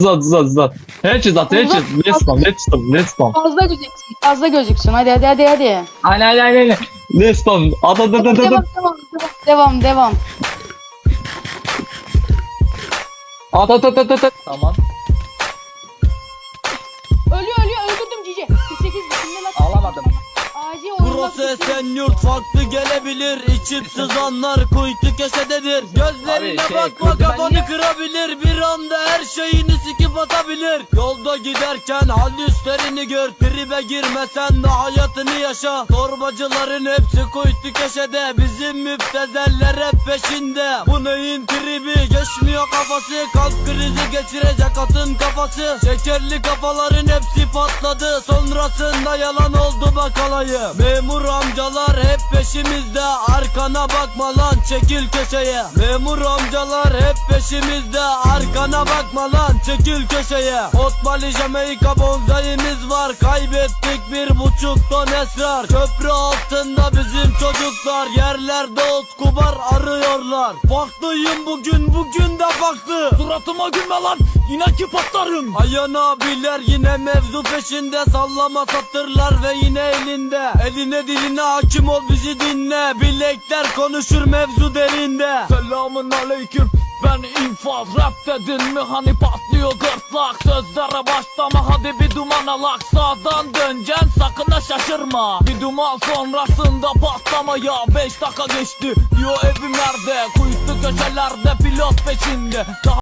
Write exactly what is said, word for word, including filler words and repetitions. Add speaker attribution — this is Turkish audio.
Speaker 1: Zat zat zat. Headshot headshot. Let's go let's go let's go.
Speaker 2: Fazla gözüksün. Fazla gözüksün. Hadi hadi hadi hadi.
Speaker 1: Aynen aynen aynen. Let's go. At at at at
Speaker 2: Devam
Speaker 1: at.
Speaker 2: devam devam devam.
Speaker 1: At at at at at. Tamam.
Speaker 2: Ölüyor ölüyor öldürdüm Cici. kırk sekiz şimdi lan.
Speaker 1: Alamadım.
Speaker 2: Acil oyunlar
Speaker 3: Burası
Speaker 2: tutuyor.
Speaker 3: Esenyurt, farklı gelebilir. İçip sızanlar kuytu köşededir. Gözlerine
Speaker 1: Abi şey,
Speaker 3: bakma,
Speaker 1: kırdı ben
Speaker 3: kafanı
Speaker 1: niye-
Speaker 3: kırabilir. Bir anda her şeyini sikip atabilir. Yolda giderken halüslerini gör. Tribe girmesen de hayatını yaşa. Torbacıların hepsi kuytu köşede. Bizim müptezeller hep peşinde. Bu neyin tribi, geçmiyor kafası. Kalp krizi geçirecek atın kafası. Şekerli kafaların hepsi patladı. Sonrasında yalan oldu bak alayı. Memur amcalar hep peşimizde. Arkana bakma lan, çekil köşeye. Memur amcalar hep peşimizde. Arkana bakma lan, çekil köşeye. Otmali Jamaica bonzayimiz var. Kaybettik bir buçuk ton esrar. Köprü altında bizim çocuklar. Yerlerde ot kubar arıyorlar. Farklıyım bugün, bugün de farklı. Suratıma gülme lan, inan ki patlarım. Ayan abiler yine mevzu peşinde. Sallama satırlar ve yine elinde. Eline diline hakim ol, bizi dinle. Bilekler konuşur mevzu derinde.
Speaker 4: Selamun aleyküm, ben infaz. Rap dedin mi hani patlıyor gırtlak. Sözlere başlama hadi bir duman alak. Sağdan döneceksin sakın ha şaşırma. Bir duman sonrasında patlamaya. Beş dakika geçti diyor evim nerede. Kuytu köşelerde pilot peşinde. Daha